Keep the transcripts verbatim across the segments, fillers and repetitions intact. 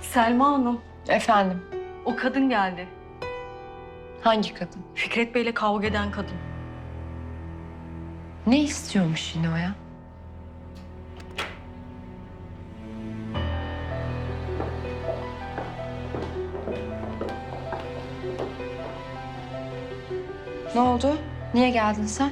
Selma Hanım, Efendim, o kadın geldi. hangi kadın? Fikret Bey'le kavga eden kadın. Ne istiyormuş yine o ya? Ne oldu? Niye geldin sen?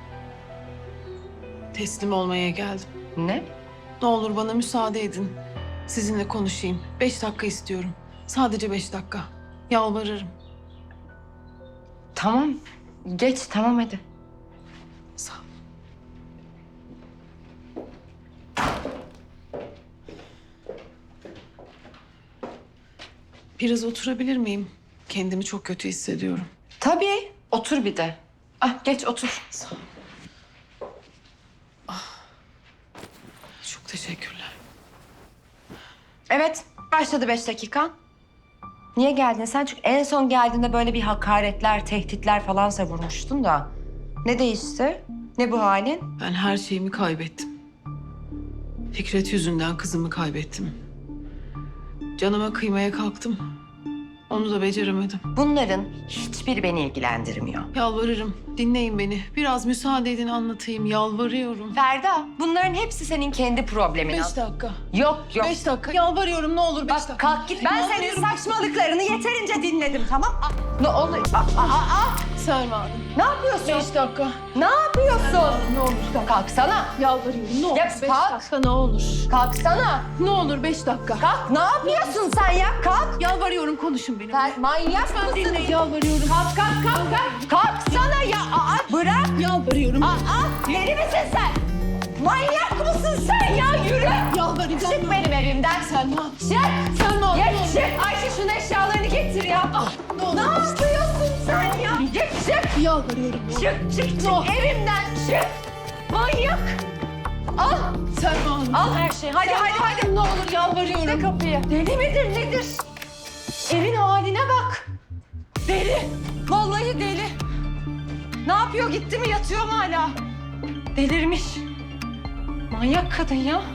Teslim olmaya geldim. Ne? Ne olur bana müsaade edin. Sizinle konuşayım. Beş dakika istiyorum. Sadece beş dakika. Yalvarırım. Tamam, geç tamam hadi. Sağ ol. Biraz oturabilir miyim? Kendimi çok kötü hissediyorum. Tabii, otur bir de. Ah, geç otur. Sağ ol. Ah. Çok teşekkürler. Evet, başladı beş dakikan. Niye geldin sen? Çünkü en son geldiğinde böyle bir hakaretler, tehditler falan savurmuştun da. Ne değişti? Ne bu halin? Ben her şeyimi kaybettim. Fikret yüzünden kızımı kaybettim. Canıma kıymaya kalktım. Onu da beceremedim. Bunların hiçbiri beni ilgilendirmiyor. Yalvarırım. Dinleyin beni. Biraz müsaade edin anlatayım. Yalvarıyorum. Ferda, bunların hepsi senin kendi problemin. Beş dakika. Yok yok. Beş dakika. Yalvarıyorum ne olur beş Bak dakika. kalk git. Ben senin Yalvarıyorum. saçmalıklarını yeterince dinledim tamam? Aa, ne oluyor? Aa, aa, aa. Selma Hanım. Ne yapıyorsun? Beş dakika. Ne yapıyorsun? Ne olur. Kalksana. Yalvarıyorum. Ne olur. Ya beş kalk. dakika ne olur. Kalksana. Ne olur beş dakika. Kalk. Ne yapıyorsun sen ya? Kalk. Yalvarıyorum konuşun benimle. Sen manyak mısın? Dinleyin. Yalvarıyorum. Kalk kalk kalk kalk. Kalksana ya. Aa, bırak. Yalvarıyorum. Aa, deli misin sen? Manyak mısın sen ya? Yürü. Yalvaracağım. Çık benim evimden. Selma. Çık. Selma. Geç ne olur. çık. Ayşe şunun eşyalarını getir ya. Ne olur. Ne yapıyorsun sen ya? Git çık. Yalvarıyorum. ne olur. Çık çık çık. Ne olur. Evimden çık. Manyak. Al. Selma Hanım. Al her şeyi. Hadi Selma hadi hadi. Hanım, Ne olur yalvarıyorum. Ne kapıyı? Deli midir nedir? Evin haline bak. Deli. Vallahi deli. Ne yapıyor gitti mi yatıyor mu hala? Delirmiş. Manyak kadın ya.